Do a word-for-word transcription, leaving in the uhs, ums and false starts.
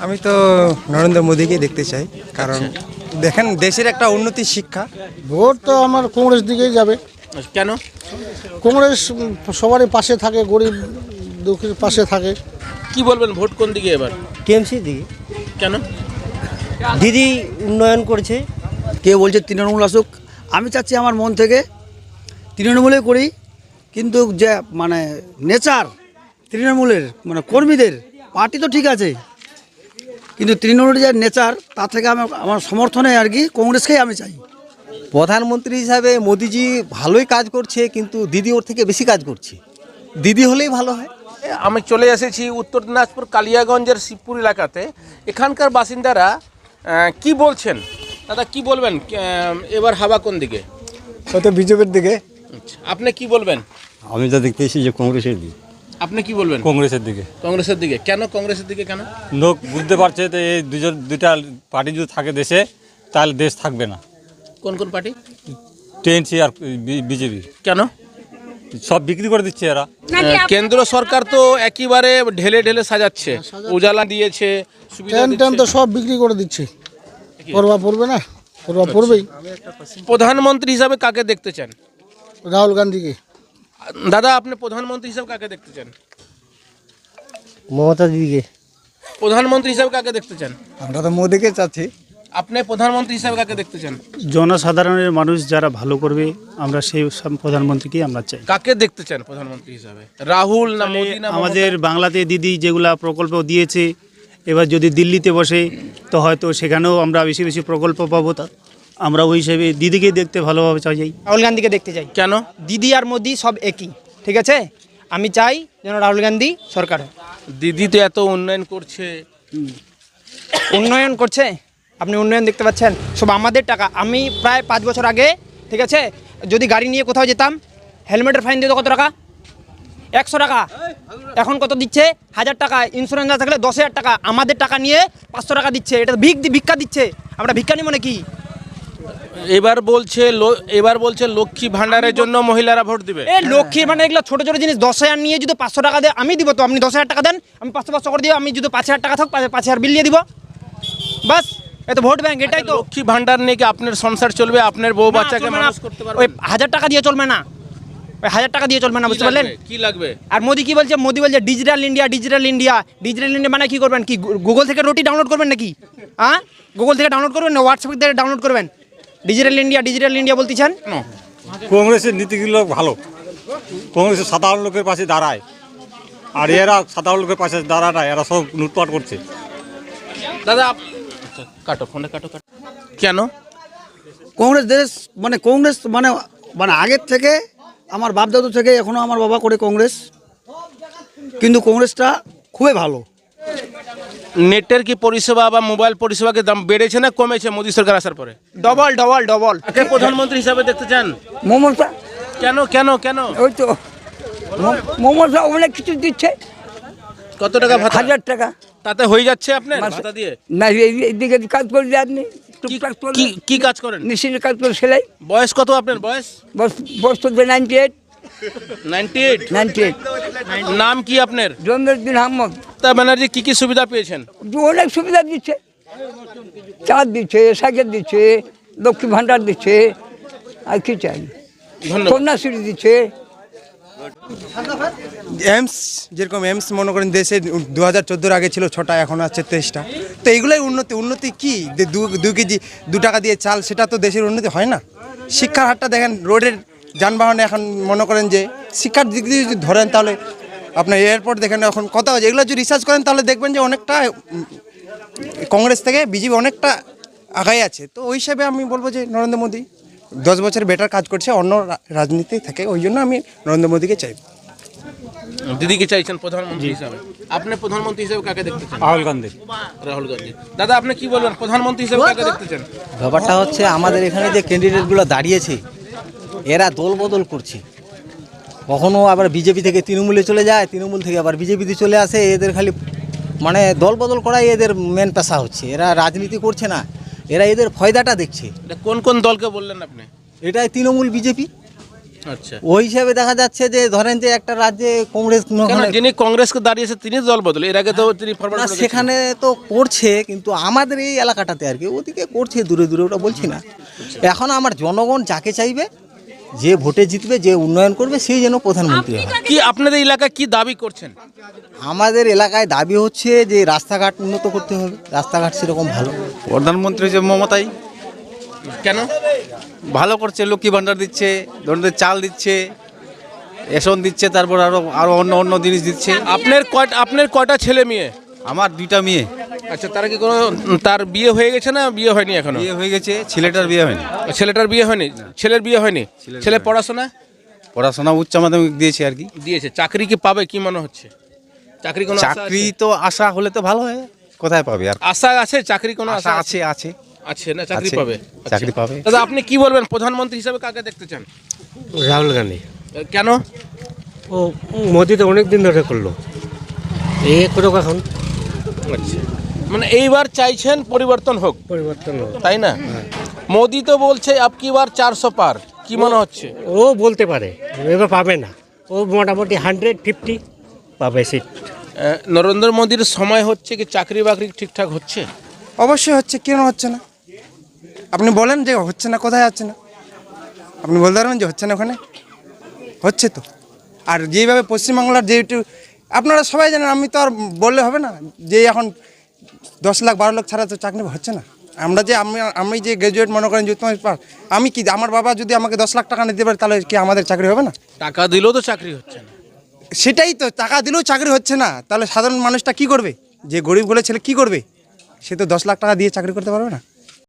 আমি তো নরেন্দ্র মোদীকে দেখতে চাই, কারণ দেখেন দেশের একটা উন্নতি শিক্ষা। ভোট তো আমার কংগ্রেস দিকেই যাবে। কেন? কংগ্রেস সবারই পাশে থাকে, গরিব দুঃখীর পাশে থাকে। কি বলবেন, ভোট কোন দিকে এবার? টিএমসি দিকে। কেন? দিদি উন্নয়ন করছে। কেউ বলছে তৃণমূল আসুক, আমি চাচ্ছি আমার মন থেকে তৃণমূলে করি, কিন্তু যে মানে নেচার তৃণমূলের মানে কর্মীদের পার্টি তো ঠিক আছে, কিন্তু তৃণমূলের যে নেচার তা থেকে আমার আমার সমর্থনে আর কি কংগ্রেসকেই আমি চাই। প্রধানমন্ত্রী হিসাবে মোদিজি ভালোই কাজ করছে, কিন্তু দিদি ওর থেকে বেশি কাজ করছে। দিদি হলেই ভালো হয়। আমি চলে এসেছি উত্তর দিনাজপুর কালিয়াগঞ্জের শিবপুর এলাকাতে। এখানকার বাসিন্দারা আহ, কি বলছেন? দাদা কি বলবেন, আহ, এবার হাওয়া কোন দিকে? হয়তো বিজেপির দিকে। আচ্ছা, আপনি কি বলবেন? আমি যা দেখতেছি যে কংগ্রেসের দিকে। আপনি কি বলবেন? কংগ্রেসের দিকে। কংগ্রেসের দিকে কেন? কংগ্রেসের দিকে কেন? লোক বুঝতে পারছে তো এই দুজন দুইটা পার্টি যদি থাকে দেশে, তাহলে দেশ থাকবে না। কোন কোন পার্টি? টিএনসি আর বিজেপি। কেন? সব বিক্রি করে দিচ্ছে এরা। আহ, কেন্দ্র সরকার তো একেবারে ঢেলে ঢেলে সাজাচ্ছে, উজালা দিয়েছে, সুবিধা ট্রেন ট্রেন তো দিচ্ছে। সব বিক্রি করে দিচ্ছে। প্রভাব পড়বে না? প্রভাব পড়বেই। প্রধানমন্ত্রী হিসাবে কাকে দেখতে চান? রাহুল গান্ধীকে। দাদা আপনি প্রধানমন্ত্রী হিসাবে কাকে দেখতে চান? মমতা দিদিকে। প্রধানমন্ত্রী হিসাবে কাকে দেখতে চান? আমরা তো মোদীকে চাচ্ছি। আপনি প্রধানমন্ত্রী হিসাবে কাকে দেখতে চান? জনসাধারণের মানুষ যারা ভালো করবে, আমরা সেই সব প্রধানমন্ত্রীকেই আমরা চাই। কাকে দেখতে চান প্রধানমন্ত্রী হিসাবে? রাহুল না মোদী না আমাদের বাংলাতে দিদি যেগুলা প্রকল্প দিয়েছে, এবার যদি দিল্লিতে বসে তো হয়তো সেখানেও আমরা বেশি বেশি প্রকল্প পাবো। তা আমরা ওই হিসেবে দিদিকে দেখতে ভালোভাবে চাই। রাহুল গান্ধীকে দেখতে চাই। কেন? দিদি আর মোদি সব একই, ঠিক আছে? আমি চাই যেন রাহুল গান্ধী সরকার হয়। দিদি তো এত উন্নয়ন করছে। উন্নয়ন করছে, আপনি উন্নয়ন দেখতে পাচ্ছেন? সব আমাদের টাকা। আমি প্রায় পাঁচ বছর আগে, ঠিক আছে, যদি গাড়ি নিয়ে কোথাও যেতাম, হেলমেটের ফাইন দিত কত টাকা? একশো টাকা। এখন কত দিচ্ছে? হাজার টাকা। ইন্স্যুরেন্স না থাকলে দশ হাজার টাকা। আমাদের টাকা নিয়ে পাঁচশো টাকা দিচ্ছে। এটা ভিক ভিক্ষা দিচ্ছে। আমরা ভিক্ষা নিই মানে কি? এবার বলছে লো- এবার বলছে লক্ষ্মী ভান্ডারের জন্য মহিলারা ভোট দিবে। এ লক্ষ্মীর মানে এগুলো ছোটো ছোটো জিনিস। দশ হাজার নিয়ে যদি পাঁচশো টাকা দেয়, আমি দিব তো। আপনি দশ হাজার টাকা দেন, আমি পাঁচশো পাঁচশো করে দিব। আমি যদি পাঁচ হাজার টাকা থাক, পাঁচ হাজার বিল দিয়ে দিব, বাস। এ তো ভোট ব্যাংক, এটাই তো। লক্ষ্মী ভান্ডার নিয়ে কি আপনার সংসার চলবে? আপনার বউ বাচ্চাকে চলবে না। মানুষ করতে ওই পারবেন? হাজার টাকা দিয়ে চলবে না, ওই হাজার টাকা দিয়ে চলবে না, বুঝতে পারলেন? কি লাগবে? আর মোদি কি বলছে? মোদি বলছে digital India, digital India. Digital India মানে কি করবেন? কি গুগল থেকে রুটি ডাউনলোড করবেন নাকি? হ্যাঁ, গুগল থেকে ডাউনলোড করবেন না হোয়াটসঅ্যাপ থেকে ডাউনলোড করবেন? ডিজিটাল ইন্ডিয়া, ডিজিটাল ইন্ডিয়া বলতেছেন। কংগ্রেসের নীতিগুলো ভালো। কংগ্রেসের সাধারণ লোকের পাশে দাঁড়ায়, আর এরা সাধারণ লোকের পাশে দাঁড়ায় না, এরা সব লুটপাট করছে। দাদা আপ- আচ্ছা, কাটো ফোনটা কাটো কাটো। কেন? কংগ্রেস দেশ মানে কংগ্রেস মানে মানে আগের থেকে আমার বাপ দাদু থেকে এখনও আমার বাবা করে কংগ্রেস, কিন্তু কংগ্রেসটা খুবই ভালো। নেটের কি পরিষেবা বা মোবাইল পরিষেবা কি দাম বেড়েছে না কমেছে মোদী সরকার আসার পরে? Double double double. কাকে প্রধানমন্ত্রী হিসাবে দেখতে চান? মমতা। কেন কেন কেন? ওই তো ম- মমতা অনেক কিছু দিচ্ছে। কত টাকা ভাতা? হাজার টাকা। তাতে হয়ে যাচ্ছে আপনার মাসে- ভাতা দিয়ে? না এই- এইদিকে কাজ করে আপনি কি- টুকটাক করে কি কি কাজ করেন? মেশিনের কাজ করে সেলাই। বয়স কত আপনার? বয়স বস বস তো ninety eight ninety eight. Ninety eight নাম কি আপনার? জমিরুদ্দিন আহমদ। মমতা ব্যানার্জি কি কি সুবিধা পেয়েছেন? অনেক সুবিধা দিচ্ছে। চাঁদ দিচ্ছে, সাইকেল দিচ্ছে, লক্ষ্মী ভাণ্ডার দিচ্ছে, আর কি চাই? ধন্যবাদ। কন্যাশ্রী দিচ্ছে। এমস যেরকম এমস মনে করেন দেশে দু হাজার চোদ্দোর আগে ছিল ছটা, এখন আছে তেইশটা। তো এইগুলোই উন্নতি। উন্নতি কি? যে দু দু কেজি দু টাকা দিয়ে চাল, সেটা তো দেশের উন্নতি হয় না। শিক্ষার হারটা দেখেন, রোডের যানবাহনে এখন মনে করেন যে শিক্ষার দিক দিয়ে যদি ধরেন, তাহলে আপনার এয়ারপোর্ট দেখেন এখন কত আছে। এগুলো যদি রিসার্চ করেন তাহলে দেখবেন যে অনেকটা উম, কংগ্রেস থেকে বিজেপি অনেকটা আগাই আছে। তো ওই হিসাবে আমি বলবো যে নরেন্দ্র মোদী দশ বছর বেটার কাজ করছে অন্য রা- রাজনীতি থেকে। ওই জন্য আমি নরেন্দ্র মোদীকে চাই। দিদিকে চাইছেন প্রধানমন্ত্রী হিসাবে। আপনি প্রধানমন্ত্রী হিসাবে কাকে দেখতে চান? রাহুল গান্ধী। রাহুল গান্ধী। দাদা আপনি কি বলবেন, প্রধানমন্ত্রী হিসাবে কাকে দেখতে চান? ব্যাপারটা হচ্ছে আমাদের এখানে যে ক্যান্ডিডেটগুলো দাঁড়িয়েছে, এরা দল বদল করছে। কখনো আবার বিজেপি থেকে তৃণমূলে চলে যায়, তৃণমূল থেকে আবার বিজেপিতে চলে আসে। এদের খালি মানে দল বদল করাই এদের মেন পেশা হচ্ছে। এরা রাজনীতি করছে না, এরা এদের ফয়দাটা দেখছে। এটা কোন কোন দলকে বললেন আপনি? এটাই তৃণমূল বিজেপি। আচ্ছা, ওই হিসাবে দেখা যাচ্ছে যে ধরেন যে একটা রাজ্যে কংগ্রেস কেন ওখানে- যিনি কংগ্রেসকে দাঁড়িয়েছে তিনি দল বদল, এর আগে তো তিনি ফরওয়ার্ড না, করে সেখানে তো করছে, কিন্তু আমাদের এই এলাকাটাতে আর কি ওদিকে করছে দূরে দূরে, ওটা বলছি না। এখন আমার জনগণ যাকে চাইবে, যে ভোটে জিতবে, যে উন্নয়ন করবে, সেই যেন প্রধানমন্ত্রী হয়। কি আপনাদের এলাকায় কি দাবি করছেন? আমাদের এলাকায় দাবি হচ্ছে যে রাস্তাঘাট উন্নত করতে হবে, রাস্তাঘাট সেরকম ভালো। প্রধানমন্ত্রী যে মমতাই কেন? ভালো করছে, লক্ষ্মী ভাণ্ডার দিচ্ছে, ধরুন চাল দিচ্ছে, রেশন দিচ্ছে, তারপর আরো আরো অন্য অন্য জিনিস দিচ্ছে। আপনার কয়টা আপনার কয়টা ছেলে মেয়ে? আমার দুইটা মেয়ে, আচ্ছা, তারা কি কোনো তার বিয়ে হয়ে গেছে না বিয়ে হয়নি এখনো? বিয়ে হয়ে গেছে, ছেলেটার বিয়ে হয়নি। ছেলেটার বিয়ে হয়নি, ছেলের বিয়ে হয়নি। ছেলে পড়াশোনা পড়াশোনা উচ্চ মাধ্যমিক দিয়েছে আর কি। দিয়েছে, চাকরি কি পাবে কি মনে হচ্ছে? চাকরি কোনো আশা চাকরি আছে? তো আশা হলে তো ভালো হয়, কোথায় পাবে আর? আশা আছে, চাকরি কোনো আশা আশা আছে আছে আছে না চাকরি আছে, পাবে? চাকরি আচ্ছা। পাবে। দাদা আপনি কি বলবেন, প্রধানমন্ত্রী হিসাবে কাকে দেখতে চান? রাহুল গান্ধী। কেন? ও মোদি তো অনেক দিন ধরে করলো, এই করুক এখন, আচ্ছা, মানে এইবার চাইছেন পরিবর্তন হোক, পরিবর্তন হোক। তাই না? মোদি তো বলছে আপ কি বার চারশো পার, কি মনে হচ্ছে? ও বলতে পারে, এবার পাবে না, ও মোটামুটি হান্ড্রেড ফিফটি পাবে সিট। আহ, নরেন্দ্র মোদীর সময় হচ্ছে কি চাকরি বাকরি ঠিকঠাক হচ্ছে? অবশ্যই হচ্ছে, কেন হচ্ছে না? আপনি বলেন যে হচ্ছে না, কোথায় হচ্ছে না? আপনি বলতে পারবেন যে হচ্ছে না? ওখানে হচ্ছে তো। আর যেইভাবে পশ্চিমবাংলার যেটু আপনারা সবাই জানেন, আমি তো আর বললে হবে না যে এখন দশ লাখ বারো লাখ ছাড়া তো চাকরি হচ্ছে না। আমরা যে আমি আমি যে গ্র্যাজুয়েট মনে করেন যুক্ত পাস, আমি কি আমার বাবা যদি আমাকে দশ লাখ টাকা নিতে পারে তাহলে কি আমাদের চাকরি হবে না? টাকা দিলেও তো চাকরি হচ্ছে না। সেটাই তো, টাকা দিলেও চাকরি হচ্ছে না, তাহলে সাধারণ মানুষটা কি করবে? যে গরিবগুলো ছেলে কি করবে? সে তো দশ লাখ টাকা দিয়ে চাকরি করতে পারবে না।